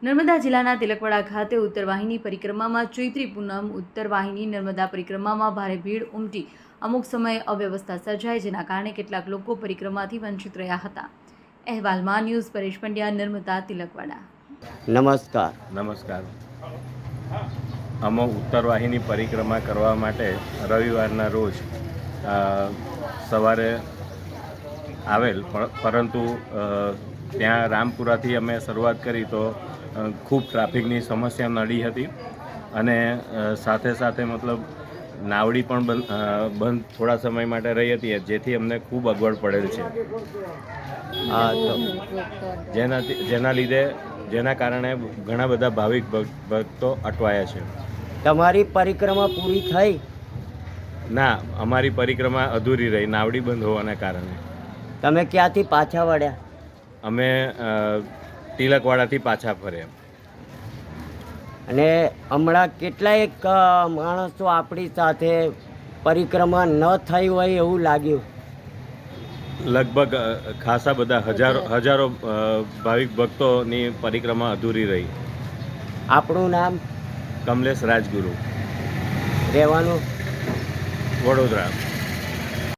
નર્મદા જિલ્લાના તિલકવાડા ખાતે ઉત્તરવાહિની પરિક્રમામાં ચૈત્રી પૂનમ ઉત્તરવાહિની નર્મદા પરિક્રમામાં ભારે ભીડ ઉમટી અમુક સમયે અવ્યવસ્થા સર્જાઈ, જેના કારણે કેટલાક લોકો પરિક્રમાથી વંચિત રહ્યા હતા। અહેવાલમાં ન્યૂઝ પરેશ પંડ્યા, નર્મદા તિલકવાડા। નમસ્કાર। અમે ઉત્તરવાહિની પરિક્રમા કરવા માટે રવિવારના રોજ સવારે આવેલ, પરંતુ ત્યાં રામપુરાથી અમે શરૂઆત કરી તો ખૂબ ટ્રાફિકની સમસ્યા નડી હતી અને સાથે સાથે મતલબ નાવડી પણ બંધ થોડા સમય માટે રહી હતી, જેથી અમને ખૂબ અગવડ પડેલ છે। જેના કારણે ઘણા બધા ભાવિક ભક્તો અટવાયા છે। તમારી પરિક્રમા પૂરી થઈ? ના, અમારી પરિક્રમા અધૂરી રહી, નાવડી બંધ હોવાના કારણે। તમે ક્યાંથી પાછા વળ્યા? અમે તિલકવાડાથી પાછા ફર્યા। અને હમણાં કેટલાક માણસો આપણી સાથે પરિક્રમા ન થઈ હોય એવું લાગ્યું? લગભગ ખાસા બધા હજારો ભાવિક ભક્તોની પરિક્રમા અધૂરી રહી। આપણું નામ? કમલેશ રાજગુરુ, રહેવાનું? વડોદરા।